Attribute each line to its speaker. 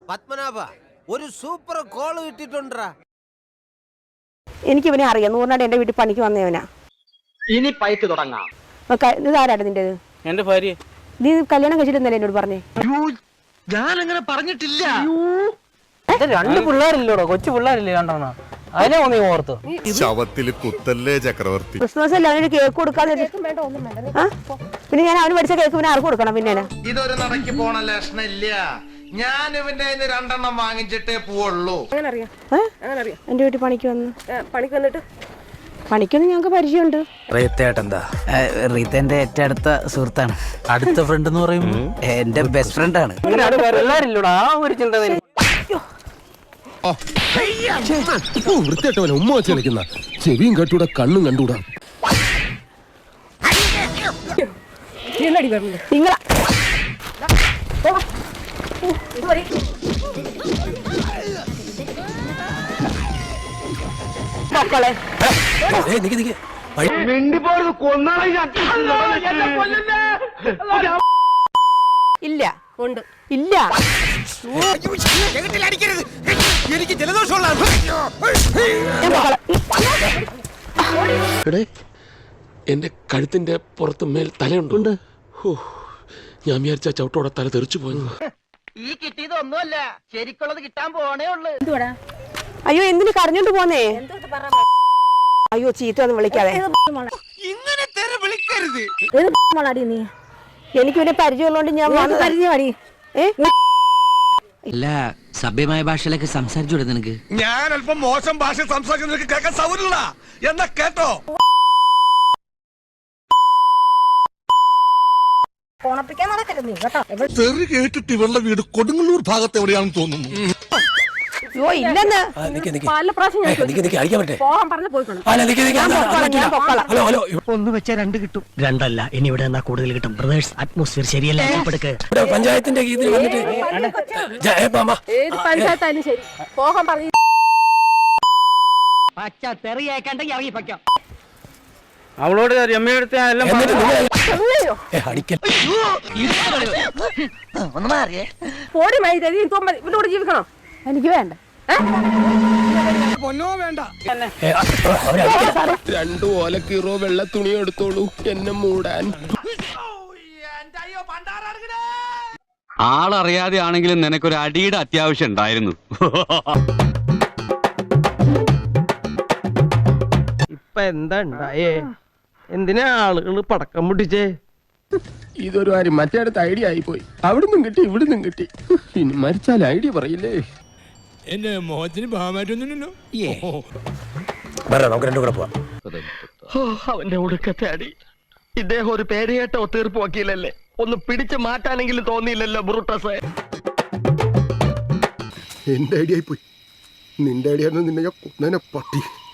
Speaker 1: പത്മനാഭ ഒരു super call കിട്ടിട്ടുണ്ടാ.
Speaker 2: എനിക്ക് ഇവനെ അറിയാം. 100 എന്റെ വീട്ടിൽ പണിക്ക് വന്നവനാ.
Speaker 3: ഇനി പൈക്ക് തുടങ്ങാം.
Speaker 2: ഇതാരാണ് നിന്റേത്?
Speaker 4: എന്റെ ഭാര്യ.
Speaker 2: നീ കല്യാണം കഴിച്ചിട്ടുണ്ടല്ലേ എന്നോട് പറഞ്ഞേ?
Speaker 3: ഞാൻ അങ്ങനെ പറഞ്ഞിട്ടില്ല.
Speaker 4: രണ്ട് പിള്ളേരില്ലോടോ, കൊച്ചു പിള്ളേരില്ലേ രണ്ടെണ്ണ. അതിനെ നീ ഓർത്തു.
Speaker 5: ശവത്തിൽ കുത്തല്ലേ ചക്രവർത്തി.
Speaker 2: ക്രിസ്മസ് അല്ല അവനൊരു കേക്ക് കൊടുക്കാതെ. പിന്നെ ഞാൻ അവന് പഠിച്ച കേക്ക് പിന്നെ ആർക്ക് കൊടുക്കണം? പിന്നെ
Speaker 6: ഇതൊരു നടക്ക് പോണ ലക്ഷണില്ല. ഞാൻ ഇവന്റെ 2 വാങ്ങിച്ചിട്ടേ പോവുള്ളൂ.
Speaker 2: എന്റെ വീട്ടിൽ പണിക്ക് വന്നിട്ട് പണിക്കൊന്നും ഞങ്ങൾക്ക് പരിചയമുണ്ട്.
Speaker 7: റീത്തേട്ടെന്താ? റീത്തേന്റെ ഏറ്റവും അടുത്ത സുഹൃത്താണ്.
Speaker 4: അടുത്ത ഫ്രണ്ട് എന്ന് പറയുമ്പോ
Speaker 7: എന്റെ ബെസ്റ്റ് ഫ്രണ്ട് ആണ്.
Speaker 4: പിള്ളേരില്ലോടാ, ആ ഒരു ചിന്ത.
Speaker 5: വൃത്തിയായിട്ടവനെ ഉമ്മ വെച്ച് കളിക്കുന്ന ചെവിയും കെട്ടൂടാ, കണ്ണും കണ്ടൂടാ.
Speaker 2: നിങ്ങളാ മക്കളെ ഇല്ല ഉണ്ട് ഇല്ല.
Speaker 1: എനിക്ക് ജലദോഷമുള്ള
Speaker 8: എന്റെ കഴുത്തിന്റെ പുറത്ത് മേൽ തലയുണ്ട്. ഞാൻ വിചാരിച്ച ചവിട്ടോടെ തല തെറിച്ചു പോയെന്ന്.
Speaker 3: ഈ കിട്ടിയതൊന്നുമല്ല, ശരിക്കുള്ളത് കിട്ടാൻ പോണേ ഉള്ളു.
Speaker 2: അയ്യോ എന്തിനു കരഞ്ഞോണ്ട് പോന്നേ? അയ്യോ ചീത്ത ഒന്നും വിളിക്കാതെ. എനിക്ക് പിന്നെ പരിചയമുള്ളതുകൊണ്ട് ഞാൻ
Speaker 7: അല്ല, സഭ്യമായ ഭാഷയിലൊക്കെ സംസാരിച്ചൂടെ നിനക്ക്?
Speaker 6: ഞാൻ അല്പം മോശം ഭാഷ സംസാരിക്കുന്ന കേൾക്കാൻ സൗകര്യമില്ല എന്നാ കേട്ടോ.
Speaker 5: തെറി കേട്ടിട്ട് ഇവരുടെ വീട് കൊടുങ്ങല്ലൂർ ഭാഗത്ത് എവിടെയാണെന്ന് തോന്നുന്നു.
Speaker 2: അയ്യോ ഇല്ലെന്ന് പല പ്രാവശ്യം
Speaker 3: ഒന്ന് വെച്ചാ 2 കിട്ടും. 2 അല്ല, ഇനി ഇവിടെ എന്നാ കൂടുതൽ കിട്ടും. ബ്രദേഴ്സ്, അറ്റ്മോസ്ഫിയർ ശരിയല്ല.
Speaker 8: പഞ്ചായത്തിന്റെ കീഴിൽ വന്നിട്ട്
Speaker 2: ഏത് പഞ്ചായത്തായാലും ശരി പോകാൻ പറഞ്ഞു.
Speaker 3: പച്ച തെറിയേക്കണ്ടെങ്കിൽ ഇറങ്ങി പയ്ക്കാം.
Speaker 4: അവളോട് രമ്യടുത്ത് എല്ലാം
Speaker 2: പോടി മൈദ ഇവരോട് ജീവിക്കണോ? എനിക്ക് വേണ്ട.
Speaker 6: പൊന്നോ വേണ്ട.
Speaker 8: 2 ഓലക്കീറോ വെള്ള തുണിയോ എടുത്തോളൂ എന്നെ മൂടാൻ.
Speaker 9: ആളറിയാതെ ആണെങ്കിലും നിനക്കൊരു അടിയുടെ അത്യാവശ്യം ഉണ്ടായിരുന്നു.
Speaker 4: ഇപ്പൊ എന്താ ഉണ്ടായേ? എന്തിനാ ആളുകൾ പടക്കം പൊട്ടിച്ചേ?
Speaker 8: ഇതൊരു കാര്യം മറ്റേടത്ത് ഐഡിയ ആയിപ്പോയി. അവിടുന്നും കിട്ടി ഇവിടുന്നും കിട്ടി. ഇനി മരിച്ചാൽ ഐഡിയ പറയില്ലേ?
Speaker 5: എന്റെ മോഹത്തിന് ഭാഗമായിട്ടൊന്നുമില്ലല്ലോ.
Speaker 8: നമുക്ക് 2 കൂടെ പോവാം.
Speaker 3: അവന്റെ ഒടുക്കത്തെ അടി. ഇദ്ദേഹം ഒരു പേരുകേട്ടോ തീർപ്പ് വക്കീലല്ലേ? ഒന്ന് പിടിച്ചു മാറ്റാനെങ്കിലും തോന്നിയില്ലല്ലോ ബ്രൂട്ടസ്.
Speaker 5: എന്റെ ഐഡിയ ആയിപ്പോയി. നിന്റെ ഐഡിയ നിന്നെ ഞാൻ കൊന്നേനെ പട്ടി.